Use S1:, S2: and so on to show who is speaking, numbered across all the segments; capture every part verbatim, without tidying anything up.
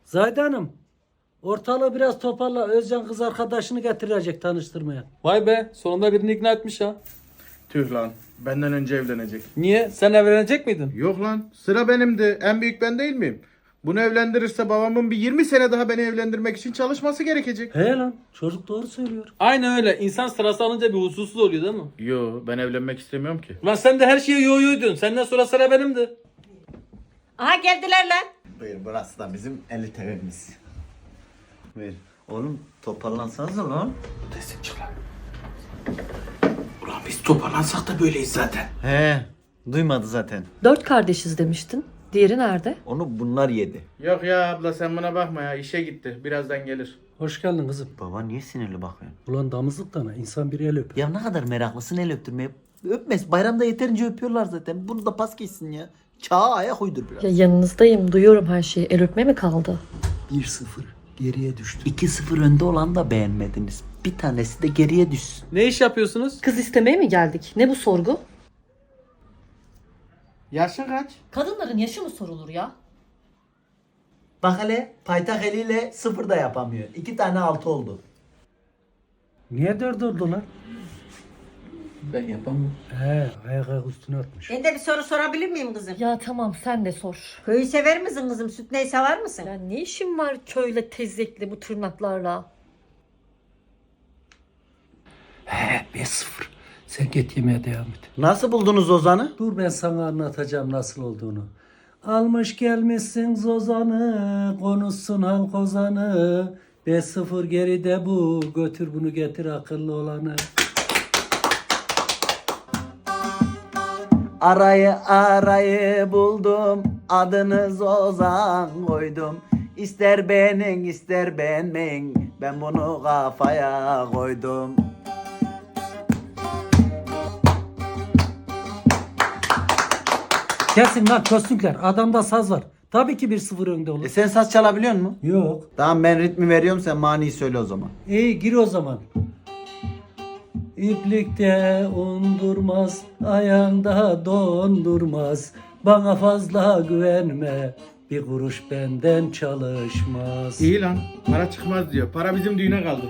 S1: Zahide Hanım, ortalığı biraz toparla. Özcan kız arkadaşını getirecek tanıştırmaya.
S2: Vay be, sonunda birini ikna etmiş ha.
S3: Tüh lan. Benden önce evlenecek.
S2: Niye? Sen evlenecek miydin?
S3: Yok lan. Sıra benimdi. En büyük ben değil miyim? Bunu evlendirirse babamın bir yirmi sene daha beni evlendirmek için çalışması gerekecek.
S1: He lan, çocuk doğru söylüyor.
S2: Aynen öyle. İnsan sırası alınca bir huzursuz oluyor değil mi?
S3: Yo, ben evlenmek istemiyorum ki.
S2: Lan sen de her şeye yo yoydun. Senden sonra sıra benimdi.
S4: Aha geldiler lan.
S5: Buyur, burası da bizim elit evimiz. Buyur. Oğlum toparlansanıza lan.
S3: Destek çık lan. Ulan biz toparlansak da böyleyiz zaten.
S5: He, duymadı zaten.
S6: Dört kardeşiz demiştin. Diğeri nerede?
S5: Onu bunlar yedi.
S3: Yok ya abla sen buna bakma ya. İşe gitti. Birazdan gelir.
S1: Hoş geldin kızım.
S5: Baba niye sinirli bakıyorsun?
S1: Ulan damızlıktan ha, insan bir el öp.
S5: Ya ne kadar meraklısın el öptürmeye. Öpmez. Bayramda yeterince öpüyorlar zaten. Bunu da pas geçsin ya. Çağa ayak uydur biraz.
S6: Ya yanınızdayım. Duyuyorum her şeyi. El öpme mi kaldı?
S1: bir sıfır geriye düştü.
S5: iki sıfır önde olan da beğenmediniz. Bir tanesi de geriye düşsün.
S2: Ne iş yapıyorsunuz?
S6: Kız istemeye mi geldik? Ne bu sorgu?
S3: Yaşın kaç?
S6: Kadınların yaşı mı sorulur ya?
S5: Bak hele paytak eliyle sıfır da yapamıyor. İki tane altı oldu.
S1: Niye dört oldu lan?
S2: Ben yapamam.
S1: He, ayak ayak üstüne atmış.
S4: Ben de bir soru sorabilir miyim kızım?
S6: Ya tamam sen de sor.
S4: Köyü sever misin kızım? Süt neyi sever misin?
S6: Ya ne işin var köyle tezekli bu tırnaklarla?
S1: He, beş sıfır. Sen git yemeğe devam et.
S5: Nasıl buldunuz Ozan'ı?
S1: Dur ben sana anlatacağım nasıl olduğunu. Almış gelmişsin Zozan'ı, konuşsun halk ozanı. beş sıfır geride bu, götür bunu getir akıllı olanı.
S5: Arayı arayı buldum, adınız Ozan koydum. İster beğenin ister beğenmeyin, ben bunu kafaya koydum.
S1: Kesin lan köstükler, adamda saz var. Tabii ki bir sıfır önde
S5: E
S1: olur.
S5: sen saz çalabiliyor musun?
S1: Yok.
S5: Tamam ben ritmi veriyorum, sen maniyi söyle o zaman.
S1: İyi gir o zaman. İplikte undurmaz, ayağında dondurmaz. Bana fazla güvenme, bir kuruş benden çalışmaz.
S3: İyi lan. Para çıkmaz diyor. Para bizim düğüne kaldı.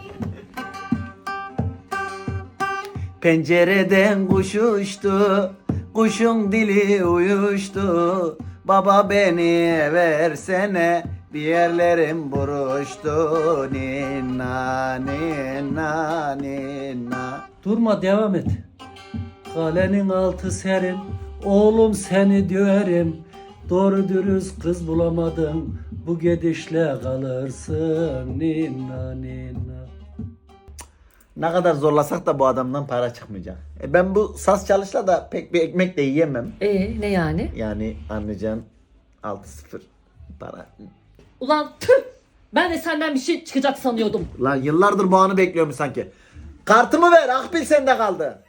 S5: Pencereden kuş uçtu, kuşun dili uyuştu. Baba beni versene, bir yerlerim buruştu. Ninna ninna ninna.
S1: Durma devam et. Kalenin altı serin, oğlum seni döverim. Doğru dürüst kız bulamadın, bu gidişle kalırsın. Ninna ninna.
S5: Ne kadar zorlasak da bu adamdan para çıkmayacak. E ben bu saz çalışla da pek bir ekmek de yiyemem.
S6: Ee ne yani?
S5: Yani anlayacağın altı sıfır para.
S6: Ulan tüh! Ben de senden bir şey çıkacak sanıyordum.
S5: Lan yıllardır bu anı bekliyorum sanki. Kartımı ver, Akbil sende kaldı.